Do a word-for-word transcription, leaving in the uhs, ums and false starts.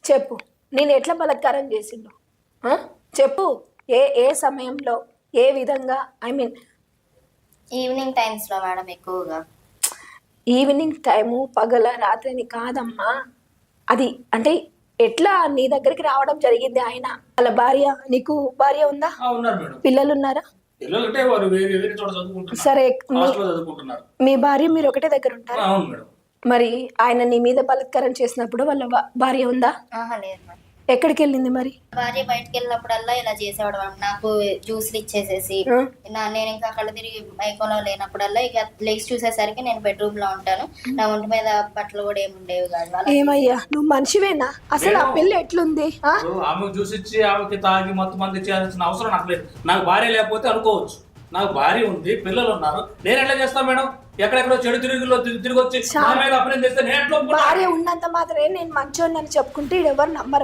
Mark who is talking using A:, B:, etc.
A: చెప్పు, నేను ఎట్లా బలత్కారం చేసిండు ఆ? చెప్పు, ఏ ఏ సమయంలో, ఏ విధంగా? ఐ మీన్
B: ఈవినింగ్ టైమ్స్ లో మేడం ఎక్కువగా.
A: ఈవినింగ్ టైము, పగల, రాత్రి అని కాదమ్మా. అది అంటే ఎట్లా నీ దగ్గరికి రావడం జరిగింది ఆయన? వాళ్ళ భార్య, నీకు భార్య ఉందా?
C: ఆ, ఉన్నారు మేడం.
A: పిల్లలు ఉన్నారా?
C: పిల్లలు అంటే వారు వేరే వేరే చోట చదువుకుంటున్నారు.
A: సరే, మీ-
C: హాస్టల్లో చదువుకుంటున్నారు.
A: మీ భార్య మీరు ఒకటే దగ్గర ఉంటారా?
C: అవును మేడం.
A: మరి ఆయన నీ మీద బలత్కారం చేసినప్పుడు వాళ్ళ భా- భార్య ఉందా?
B: ఆహా లేదు మేడం.
A: ఎక్కడికి వెళ్ళింది మరి?
B: భార్య బయటకు వెళ్ళినప్పుడల్లా ఇలా చేసేవాడు మేడం. నాకు జ్యూస్లు ఇచ్చేసేసి
A: ఆ?
B: నా నేను ఇంకా కళ్ళు తిరిగి మైకంలో లేనప్పుడల్లా ఇక లెగ్స్ చూసేసరికి నేను బెడ్రూమ్ లో ఉంటాను. నా ఒంటి మీద బట్టలు కూడా ఏమి ఉండేవి కాదు. అలా
A: ఏమయ్యా, నువ్వు మనిషివేనా? అసలు ఆ పిల్ల ఎట్లుంది? ఆ?
C: ఇప్పుడు ఆమెకు చూసి ఇచ్చి ఆమెకి తాగి మొత్తం మంది చేయాల్సిన అవసరం నాకు లేదు. నాకు భార్య లేకపోతే అనుకోవచ్చు, నాకు భార్య ఉంది, పిల్లలు ఉన్నారు, నేను ఎట్లా చేస్తాను మేడం? ఎక్కడెక్కడో చెడు తిరుగులో తిరిగి వచ్చి నా మీద అప్లై చేస్తే నేను ఎట్లా ఒప్పుకుంటాను?
A: భార్య ఉన్నంత మాత్రమే నేను మంచోడిని అని చెప్పుకుంటే ఎవరు నమ్మరు.